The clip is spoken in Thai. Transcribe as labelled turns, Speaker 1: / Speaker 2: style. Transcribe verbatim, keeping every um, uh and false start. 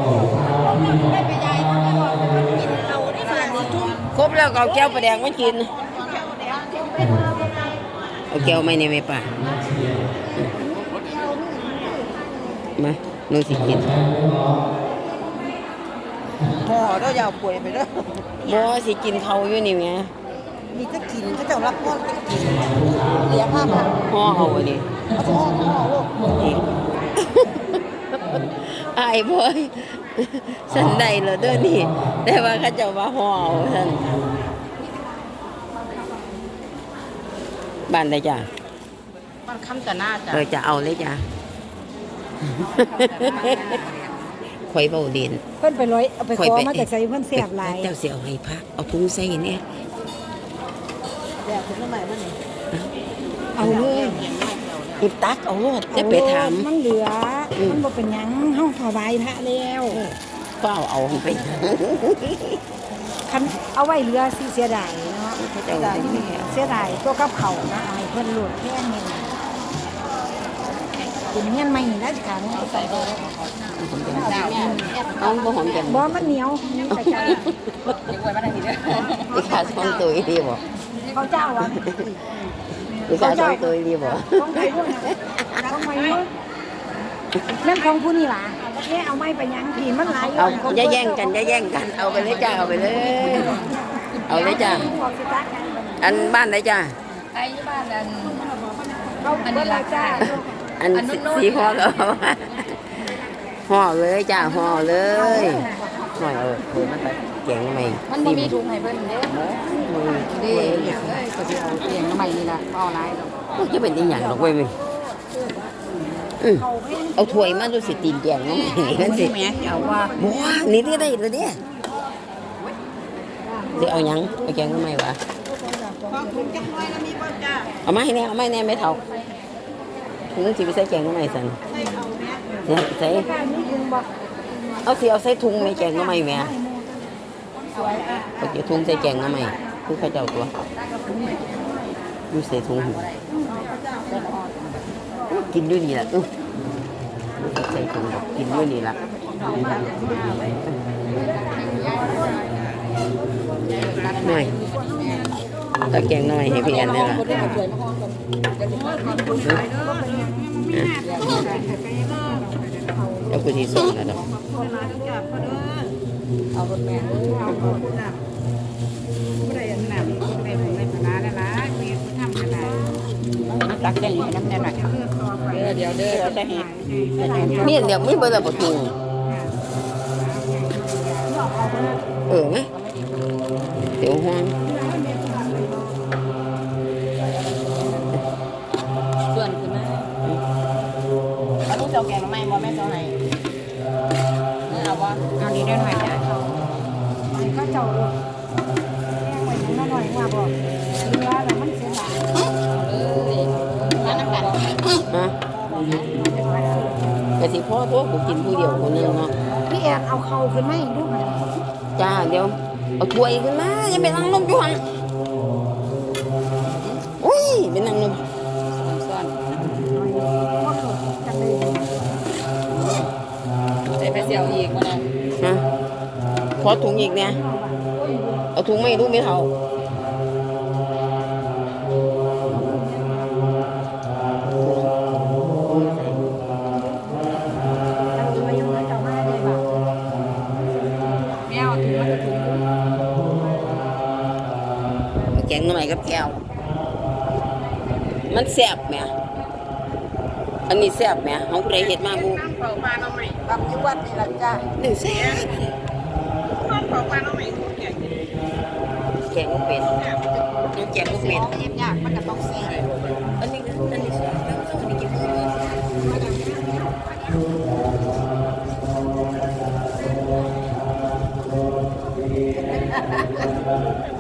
Speaker 1: ครบแล้วก็เอาแก้วปลาแดงมากินเอาแก้วไม่เนี่ยไม่ป่ะมาหนูสิกิน
Speaker 2: ห่อเรายาวป่วยไปเด้อ
Speaker 1: บ่สิกินเขาอยู่นี่ไง
Speaker 2: มีก็กินก็จะรับพ่อก็กินเหลียผ้ามา
Speaker 1: ห่อเอาอันนี้
Speaker 2: เอาห่อห่อลูก
Speaker 1: อายบ่สันใดเหรอเด้อนี่แต่ว่าเขาเจ้าว่าห่อเอาท่านบ้านใดจ้ะ
Speaker 2: บ้านคำตะนาจ้ะ
Speaker 1: เออจะเอาเลยจ้ะข่อยเบาเด่น
Speaker 2: เพิ่นไปร้อยเอาไปขอมาจากใส่เพิ่นเสียบหลาย
Speaker 1: เจ้าเสียเอาให้พักเอาถุงใส่เนี่ย
Speaker 2: แดดถึงน้ำใหม่บ้านนี่เอาเลย
Speaker 1: อิตักเอาโลดจะไปถาม
Speaker 2: มันเหลือมันบ่เป็นหยังเฮาถวายพระแล้ว
Speaker 1: ก็เอาเอาไป
Speaker 2: คันเอาไว้เหลือสิเสียดายเนาะเสียดายเสียดายตัวกับเขานะให้เพิ่นโหลดแค่นี้กินเงี้ยนใหม่ได้สิค่ะนี่ใส่บ่
Speaker 1: เอาบ่หอมจัง
Speaker 2: บ่มันเหนียวใส่ใจ
Speaker 1: เด็กไว้มาได้นี่เด้ออีกขาสองตัวดีบ่
Speaker 2: เขาเจ้าอ่ะ
Speaker 1: อีกขาสองตัวดีบ่
Speaker 2: ของใครด้วยของใครด้วยแม่ของผู้นี่ล่ะแค่เอาไม้ไปยังผีมันหลาย
Speaker 1: เอาอย่าแย่งกันอย่าแย่งกันเอาไปเลยจ้าเอาไปเลยเอาเลยจ้าอันบ้านไหนจ้า
Speaker 2: ไอ้บ้านอันอันนี้ล่ะจ้า
Speaker 1: อันสีห่อก็ห่อเลยจ้าห่อเลยห่อเออคือมันแกงใหม่
Speaker 2: มันไม่มีถุงให้เพิ่นเด้ดีอย่างเอ้ยก็สิเอาแกงใหม่นี่ล่ะเอาหลายดอก
Speaker 1: จะเป็นอีหยังดอกเว้ยมึงเอาถ้วยมาดูสิตีนแกงน้องนั่นสิ
Speaker 2: แม่เอาว่า
Speaker 1: บัวนี่ได้ได้เลยเนี่ยเดี๋ยวเอาหยังเอาแกงทำไมวะเอาไม้เนี่ยเอาไม้เนี่ยไม่เท่าถึงจะไปใส่แกงทำไมสันใส่เอาสิเอาใส่ถุงในแกงทำไมแม่เอาเดี๋ยวถุงใส่แกงทำไมคือข้าเจ้าตัวดูใส่ถุงกินด้วยนี่แหละใส่ถุงกินด้วยนี่แหละหน่อยตะแกงหน่อยให้พี่แอนนี่แหละแล้วกูที่ส่งนะดอก
Speaker 2: เอาคนแม่เอาคนหนักไม่ได้หนักไม่ได้ในพนาแล้วนะมีคนทำอะไรตักแกงให้น้ำแน่หน่อยเดี๋ยวเดี๋ยวเราจะเห็น
Speaker 1: นี่เดี๋ยวไม่เบอร์ละประตูเออไหมเดี๋ยวห้อง
Speaker 2: ส่วนคือแม่เอาลูกเจ้าแกงไม่บ่แม่เจ้าไหนเอาบ่เอาดีได้หน่อยจ้ะก็เจ้าแกงไว้นิดหน่อยว่าบ่เรือแล้วมันเสียหายเลยน้ำกัน
Speaker 1: ฮะแต่สิพ่อตัวกูกินผู้เดียวคนนึงเนาะ
Speaker 2: พี่แอนเอาเข่าขึ้นไหมดู
Speaker 1: จ้าเดี๋ยวเอาถ้วยขึ้นมาอย่าไปนั่งนมอยู่ห่างอุ้ยไปนั่งนม
Speaker 2: ซ้อนใส่ไปเสียวอีกมาเลย
Speaker 1: ฮะขอถุงอีกเนี่ยเอาถุงไม่รู้ไม่เท่าแกงหน่อยกับแก้วมันแซ่บไหมอันนี้แซ่บไหมของผู้ใดเห็ดมาบุก
Speaker 2: เผาปลาหน่อไม้บำยุวัดนี่ละจ้า
Speaker 1: หนึ่งแซ่บ
Speaker 2: เผาปลาหน่อไม้แกง
Speaker 1: แกงก็เป็นยังแกงก็เป็น
Speaker 2: เย็บยากมันก็ต้องแซ่บ
Speaker 1: อันนี้อันนี้แซ่บแล้วต้องอันนี้กินเพิ่ม